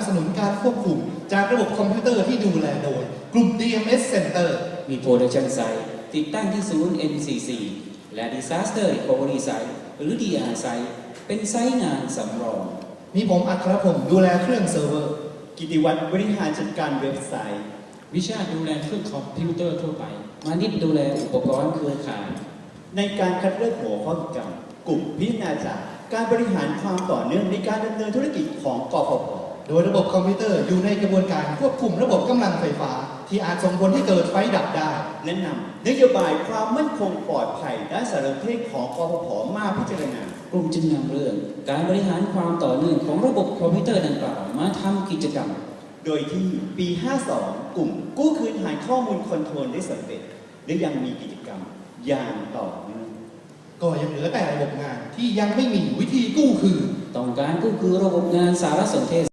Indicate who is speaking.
Speaker 1: สนุนการควบคุมจากระบบคอมพิวเตอร์ที่ดูแลโดยกลุ่ม DMS Center
Speaker 2: มี Production Site ติดตั้งที่ศูนย์ NCC และ Disaster Recovery Site หรือ DR Site เป็นไซต์งานสำรอง
Speaker 1: มีผมอัครพงศ์ดูแลเครื่องเซิร์ฟเวอร์
Speaker 3: กิติวัฒน์บริหารจัดการเว็บไซต์
Speaker 4: วิชาดูแลเครื่องคอมพิวเตอร์ทั่วไป
Speaker 2: มานิดดูแลอุปกรณ์เครือข่าย
Speaker 3: ในการคัดเลือกหัวข้อกิจกรรมกลุ่มพิจารณาจากการบริหารความต่อเนื่องในการดำเนินธุรกิจของกฟผ.
Speaker 1: โดยระบบคอมพิวเตอร์อยู่ในกระบวนการควบคุมระบบกำลังไฟฟ้าที่อาจส่งผลให้เกิดไฟดับได้
Speaker 3: และนำนโยบายความมั่นคงปลอดภัยด้านสารสนเทศของกฟผ.มาพิจารณาก
Speaker 2: ลุ่มจึงนำเรื่องการบริหารความต่อเนื่องของระบบคอมพิวเตอร์ดังกล่าวมาทำกิจกรรม
Speaker 3: โดยที่ปี 52 กลุ่มกู้คืนฐานข้อมูลคอนโทรลได้สำเร็จและยังมีกิจกรรมอย่างต่อเนื่อง
Speaker 1: ก็ยังเหลือแต่ระบบงานที่ยังไม่มีวิธีกู้คืน
Speaker 2: ต้องการกู้คืนระบบงานสารสนเทศ